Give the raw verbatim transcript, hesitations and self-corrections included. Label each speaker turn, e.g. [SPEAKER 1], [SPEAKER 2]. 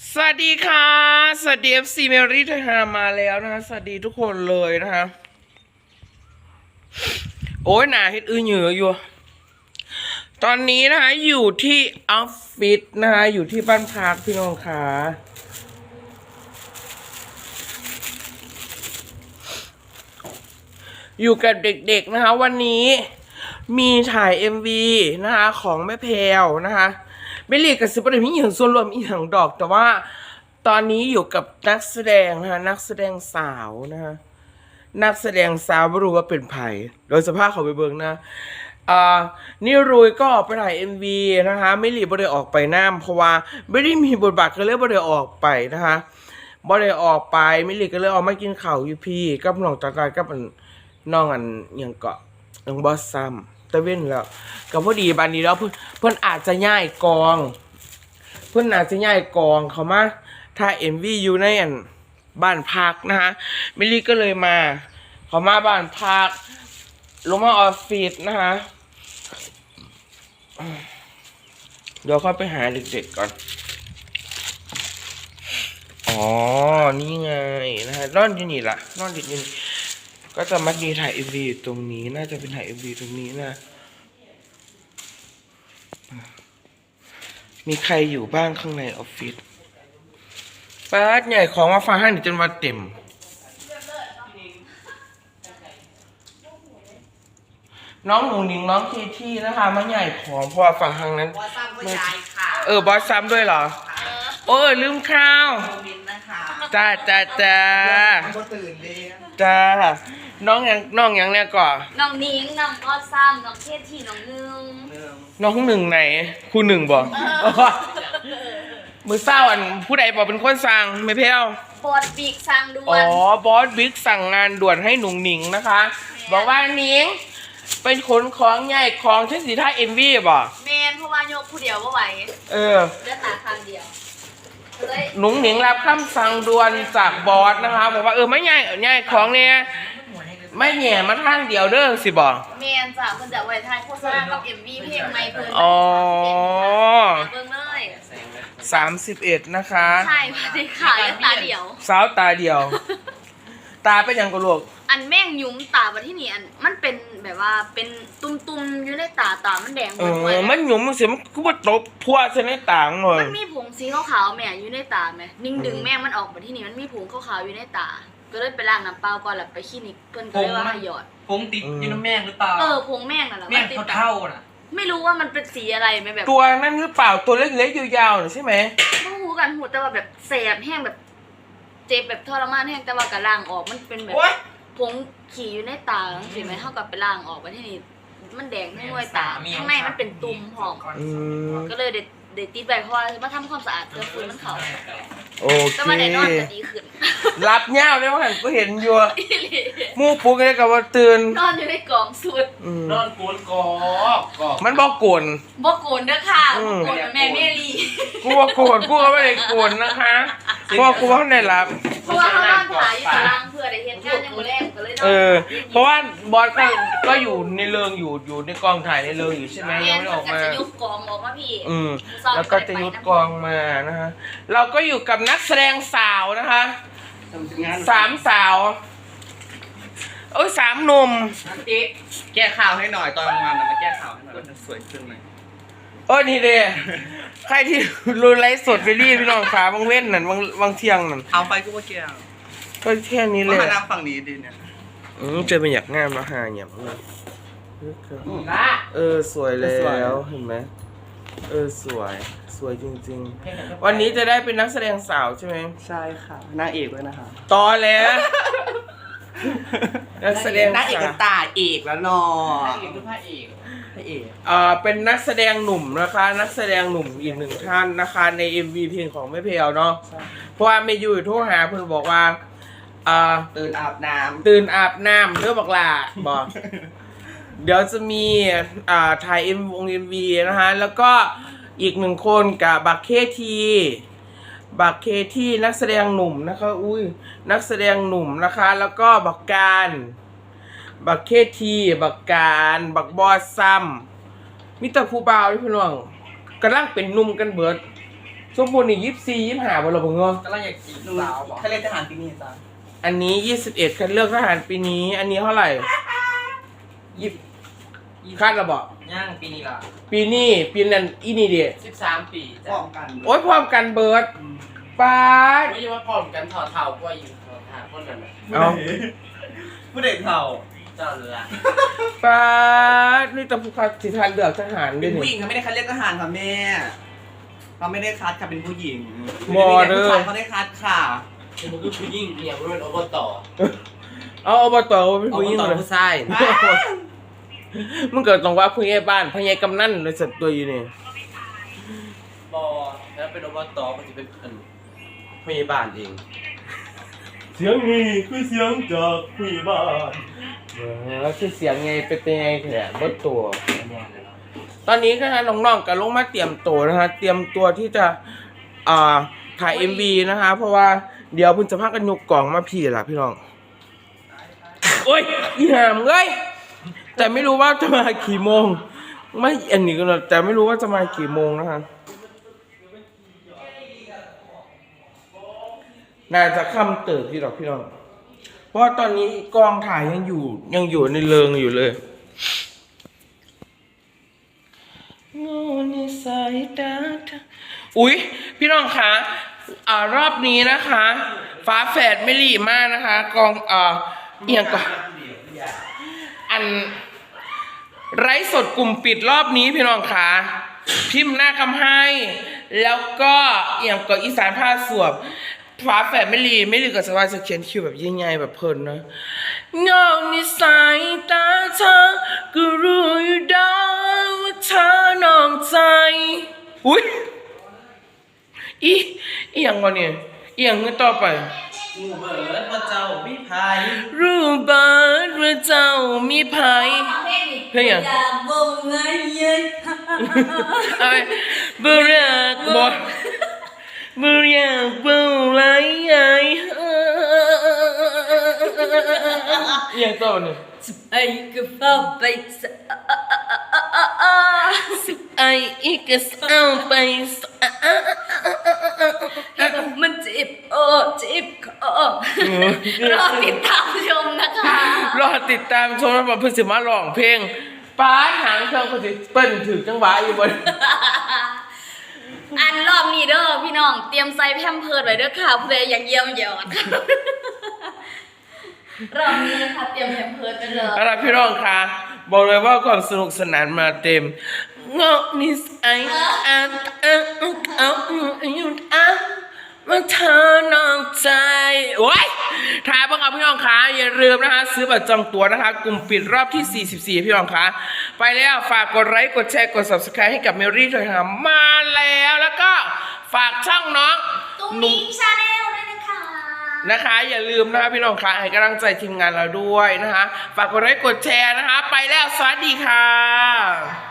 [SPEAKER 1] สวัสดีค่ะสวัสดีเอฟซีเมรี่ไทยฮามาแล้วนะคะสวัสดีทุกคนเลยนะคะโอ้ยหนาเฮ็ดอื้อเหยืออยู่ตอนนี้นะคะอยู่ที่ออฟฟิศนะคะอยู่ที่บ้านพักพี่น้องค่ะอยู่กับเด็กๆนะคะวันนี้มีถ่าย เอ็ม วี นะคะของแม่แพรวนะคะไม่เรียกกับซิปเปอร์มีอย่างส่วนรวมอีกอย่างดอกแต่ว่าตอนนี้อยู่กับนักแสดงนะคะนักแสดงสาวนะคะนักแสดงสาวไม่รู้ว่าเป็นไผ่โดยสภาพเขาไปเบิ่งนะอ่านี่รุยก็ออกไปถ่าย เอ็ม วี นะคะไม่รีบบ่ได้ออกไปน้ำเพราะว่าไม่ได้มีบทบาทก็เลยบ่ได้ออกไปนะคะบ่ได้ออกไปไม่รีบก็เลยออกมากินข้าวอยู่พี่กับน้องตาตากับน้องอันยังเกาะน้องบอสซัมตะเว้นแล้วก็พอดีบานนี้แล้วเพื่อนเพื่อนอาจจะย้ายกอง เพื่อนอาจจะย้ายกองเขามาถ้า เอ็ม วี อยู่ในอันบ้านพักนะคะมิลลี่ก็เลยมาเขามาบ้านพักลงมาออฟฟิศนะคะเดี๋ยวเข้าไปหาเด็กๆก่อนอ๋อนี่ไงนะฮะนอนอยู่นี่ล่ะนอนอยู่นี่ก็จะมัดมีถ่าย เอ็ม วี ตรงนี้น่าจะเป็นถ่าย เอ็ม วี ตรงนี้นะมีใครอยู่บ้างข้างในออฟฟิศป้าใหญ่ของมาฟังให้หนูจนวันเต็มน้องหนูหนิงน้องทีที่นะคะมาใหญ่ของเพราะว่าฝั่งทางนั้นบอสซ้ำก็ใหญ่ค่ะเออบอสซ้ำด้วยเหรอโอ้ลืมข้าวจ้าจ้าจ้าจ้าน้องยังน้องยังเนี่ยก่อน
[SPEAKER 2] น้องนิ้งน้องก็ซ้ำน้องเทศที่น้องนึง
[SPEAKER 1] น้องหนึ่งไหนครูหนึ่งบอกมือเศร้าอันผู้ใดบอกเป็นคนสั่งไม่เพี้ยว
[SPEAKER 2] บอสบิ๊กสั่งด่วน
[SPEAKER 1] อ๋อบอสบิ๊กสั่งงานด่วนให้หนุ่งหนิงนะคะบอกว่าหนิงเป็นขนของใหญ่ของเช่นสีท่าเอ็มวีบ่
[SPEAKER 2] เมนเพราะว่ายกผู้เดียวว่าไหว
[SPEAKER 1] เออ
[SPEAKER 2] เลือดตาข้างเดียว
[SPEAKER 1] หนุ่งหนิงรับคำสั่งด่วนจากบอสนะคะบอกว่าเออไม่ใหญ่ใหญ่ของเนี่ยไม่แหย่มาทางเดียวเด้อสิบอก
[SPEAKER 2] เมนจ้ะเพิ่นจะไว้ท้ายโฆษณากับ เอ็ม วี เพลงใหม่เพิ่น
[SPEAKER 1] อ๋อ
[SPEAKER 2] เบิ่งเลย
[SPEAKER 1] สามสิบเอ็ดนะคะ
[SPEAKER 2] ใช่พอดีค่ะตาเดียว
[SPEAKER 1] สาวตาเดียวตาเป็นยังกะลูก
[SPEAKER 2] อันแม่งยุ้มตาบัดที่นี่อันมันเป็นแบบว่าเป็นตุ่มๆอยู่ในตาตามันแดงหมดเลย
[SPEAKER 1] มันหยุมมันเสียมันก็ว่าตบพัวใส่ในตาเลย
[SPEAKER 2] มันมีผงสีขาวๆแม่อยู่ในตาแม่นิ่งดึงแม่มันออกบัดที่นี่มันมีผงขาวๆอยู่ในตาก็เลยไปล้างน้ำเปล่าก่อนแล้วไปคลินิกเพิ่นก็เลยว่าให้หยอด
[SPEAKER 3] ผงติดอยู่น้ำแม่งหรือเปล่า
[SPEAKER 2] เออผงแม่งน่ะแหละ
[SPEAKER 3] แม่งเท่าๆน่ะ
[SPEAKER 2] ไม่รู้ว่ามันเป็นสีอะไรไหมแบบ
[SPEAKER 1] ตัวนั่นหรือเปล่าตัวเล็กๆยาวๆใช่ไหม
[SPEAKER 2] ไม่รู้กันหูแต่ว่าแบบแสบแห้งแบบเจ็บแบบทรมานแห้งแต่ว่ากระล่างออกมันเป็นแบบผงขี่อยู่ในตาใช่ไหมเท่ากับไปล่างออกไปที่นี่มันแดงทั้งหน่วยตาข้างในมันเป็นตุ่มหอมก็เลยเด็ดเด็ดติดไปเพราะว่ามาทำความสะอาดเพื่อฟื้นมันเขา
[SPEAKER 1] โอเค
[SPEAKER 2] แต่ว่าในนอนจะดีขึ้น
[SPEAKER 1] รับเงาเลยว่าหันก็เห็นอยู่มูปุ๊กเลยกับว่าตื่น
[SPEAKER 2] นอนอยู่ในกล่องสุด
[SPEAKER 3] นอนโกนกอก
[SPEAKER 1] มันบอกโกน
[SPEAKER 2] บอกโกนด้วยค่ะบอกโกนแม่เมลี่
[SPEAKER 1] กูว่าโกนกูก็ไม่ได้โกนนะคะเพราะกูว่าเขาได้รับ
[SPEAKER 2] เพราะว่าเขานอนถ่ายอยู่ตารางเพื่อได้เห็นงานยังมือแรกก็เลยนอน
[SPEAKER 1] เออเพราะว่าบอสก็ก็อยู่ในเรื่องอยู่อยู่ในกองถ่ายในเรื่องอยู่ใช่ไหมยังไม่ออกมา
[SPEAKER 2] จะยุบกองออกมาพี่
[SPEAKER 1] อืมแล้วก็จะยุบกองมานะคะเราก็อยู่กับนักแสดงสาวนะคะสามสาวโอ้ยสามหนุ่ม
[SPEAKER 3] อีกแก้ข่าวให้หน่อยตอนงานมาแก้ข่าวให้หน่อยจะสวยขึ้นไหม
[SPEAKER 1] โอ้ยนี่เด้ใครที่รู้ไลฟ์สดไปรีพี่น้องขาบางเว้นนั่นบางบางเที่ยงนั่น
[SPEAKER 3] เอาไปก็ว่าแก้ว
[SPEAKER 1] ก็แค่นี้เลย
[SPEAKER 3] มานั่งฝั่งนี้ดีเนี่ย
[SPEAKER 1] อืมเจอเป็นอยากงามแล้วหาอย่างเลยเออสวยแล้วเห็นไหมเออสวยสวยจริงๆวันนี้จะได้เป็นนักแสดงสาวใช่ไหม
[SPEAKER 3] ใช่ค่ะนางเอกเลยนะคะ
[SPEAKER 1] ตอแล้วนักแสดง
[SPEAKER 3] นางเอกตาเอกแล้วนอนางเอกคือพระเอกพระเอก
[SPEAKER 1] อ่าเป็นนักแสดงหนุ่มนะคะนักแสดงหนุ่มอีกหนึ่งท่านนะคะใน เอ็ม วี เพลงของแม่เพลเนาะเพราะว่าไม่อยู่โทรหาเพื่อนบอกว่าอ่า
[SPEAKER 3] ตื่นอาบน้ำ
[SPEAKER 1] ตื่นอาบน้ำเรื่องบอกลาบอกเดี๋ยวจะมีอ่าถ่ายเอ็มวงเอ็มวีนะคะแล้วก็อีกหนึ่งคนกับบักเคทีบักเคทีนักแสดงหนุ่มนะคะอุ้ยนักแสดงหนุ่มนะคะแล้วก็บักการบักเคทีบักการบักบอสซัมมิตรผู้บ่าวที่พี่น้องกำลังเป็นหนุ่มกันเบิดสมบูรณ์นี่ยี่สิบสี่ยี่สิบห้าวันละผมเงาะ
[SPEAKER 3] กำลังอยากจีบสาวถ้าเล่นทหารปีนี้จ้า
[SPEAKER 1] อันนี้ยี่สิบเอ็ดคัดเลือกทหารปีนี้ อันนี้เท่าไหร่ยี่คาดระบอก
[SPEAKER 3] ย่างปีนี้ล่ะ
[SPEAKER 1] ปีนี้ปีนั้นอีนี่เดีย
[SPEAKER 3] สิบสามปีพร้อมกัน
[SPEAKER 1] โอ้ยพร้อมกันเบิร์ดปาด
[SPEAKER 3] ไม่ใช่ว่าพร้อมกันถอดเท่าก็อยู่ถอดหาคนนั้นแหละ
[SPEAKER 1] เอา
[SPEAKER 3] ผู้เด็กเท่าเจ้าเรือ
[SPEAKER 1] ปาดนี่ตะพูคัดสิทานเลือกทหารด้
[SPEAKER 4] เป็
[SPEAKER 1] วย
[SPEAKER 4] นผู้หญิ
[SPEAKER 1] นี่
[SPEAKER 4] งเขาไม่ได้คัดเลือกทหารค่ะแม่เขาไม่ได้คัดค่ะเป็นผู้หญิง
[SPEAKER 1] มอเด้อ
[SPEAKER 4] ผู้ชายเขาได้คัดค่ะ
[SPEAKER 3] คือมันคือผู้หญิงเนี่ยมันเป็นอบต
[SPEAKER 1] เอาอบตเป็นผู้หญิง
[SPEAKER 4] ต่อ
[SPEAKER 1] เลย
[SPEAKER 4] ผู้ชาย
[SPEAKER 1] มึงเกิดตรงว่าผู้ใหญ่บ้านผู้ใหญ่กำนันเลยสัตว์ตัวอยู่นี่
[SPEAKER 3] บอแล้วเป็นอบตมันจะเป็นอันพยาบาลเอง
[SPEAKER 1] เสียงนี่คือเสียงจากผู้ใหญ่บ้านแล้วคือเสียงไงเป็นยังไงแค่บดตัว ตอนนี้ก็ฮะน้องๆกับลงมาเตรียมตัวนะคะ เตรียมตัวที่จะอ่าถ่าย เอ็ม วี นะคะ เพราะว่าเดี๋ยวเพุ่นจะพากันยกกล่องมาพี่ล่ะพี่น้อง โอ้ยอีหามเอ้ยแต่ไม่รู้ว่าจะมากี่โมง ไม่อันนี้ก็นะแต่ไม่รู้ว่าจะมากี่โมงนะคะน่าจะค่ำเติบพี่ดอกพี่น้อง เพราะว่าตอนนี้กองถ่ายยังอยู่ยังอยู่ในเริงอยู่เลยโง่ในสายตาเธออุ๊ยพี่น้องคะอ่ารอบนี้นะคะ ฟ้าแฝดไม่หลีมากนะคะ กองอ่าเอียงก่อนอันไร้สดกลุ่มปิดรอบนี้พี่น้องคะพิมพ์หน้าคำให้ แล้วก็เอียงก่อนอีสานผ้าสวบฟ้าแฝดไม่หลีไม่หลีกับสวายจะเขียนคิวแบบยิ่งใหญ่แบบเพลินนะเงาในสายตาเธอก็รู้อยู่ได้ว่าเธอนอกใจอุ้ยอีอีหยังวะเนี่ยอีหยังเงินต่อไป
[SPEAKER 3] กูเบิร์ดว่าเจ้าพี่พาย
[SPEAKER 1] รู้บ้านว่าเจ้ามีภัย เพลงอย่าง
[SPEAKER 2] อยากบอกไงเย็น
[SPEAKER 1] อะไรบ่รักบ่บ่อยากบ่ไรไอ้ยังต่อเนี่ย
[SPEAKER 2] ไอ้ก็เฝ้าไปสะ
[SPEAKER 1] ไอ้อีกก็เอาไปสะ
[SPEAKER 2] มันเจ็บโอ้เจ็บคอรอติดตามชมนะคะ
[SPEAKER 1] รอติดตามชมว่าเพิ่นสิมาร้องเพลงป้าหางเครื่องเพิ่นสิเปิ้นถึงจังหวะอยู่บน
[SPEAKER 2] อันรอบนี้เด้อพี่น้องเตรียมใส่แพมเพิร์ดไว้เด้อค่ะเพื่ออยากเยี่ยมยอดรอบนี้นะคะเตรียมแพมเพิร์ดไปเลย
[SPEAKER 1] เอาล่ะพี่น้องค่ะบอกเลยว่าความสนุกสนานมาเต็มเงาะนิสัยอันอันเอาอยู่อ่ะมาเธอนอกใจโอ้ยถ่ายบ้างครับพี่น้องคะอย่าลืมนะคะซื้อบัตรจองตั๋วนะคะกลุ่มปิดรอบที่สี่สิบสี่พี่น้องคะไปแล้วฝากกดไลค์กดแชร์กด ซับสไครบ์ ให้กับเมรี่ด้วยค่ะมาแล้วแล้วก็ฝากช่องน้อง
[SPEAKER 2] ตุ้ง
[SPEAKER 1] หนุ่
[SPEAKER 2] นิ้
[SPEAKER 1] ม
[SPEAKER 2] งชาแนลด้วยนะคะ
[SPEAKER 1] นะคะอย่าลืมนะคะพี่น้องคะให้กำลังใจทีมงานเราด้วยนะคะฝากกดไลค์กดแชร์นะคะ ไปแล้วสวัสดีค่ะ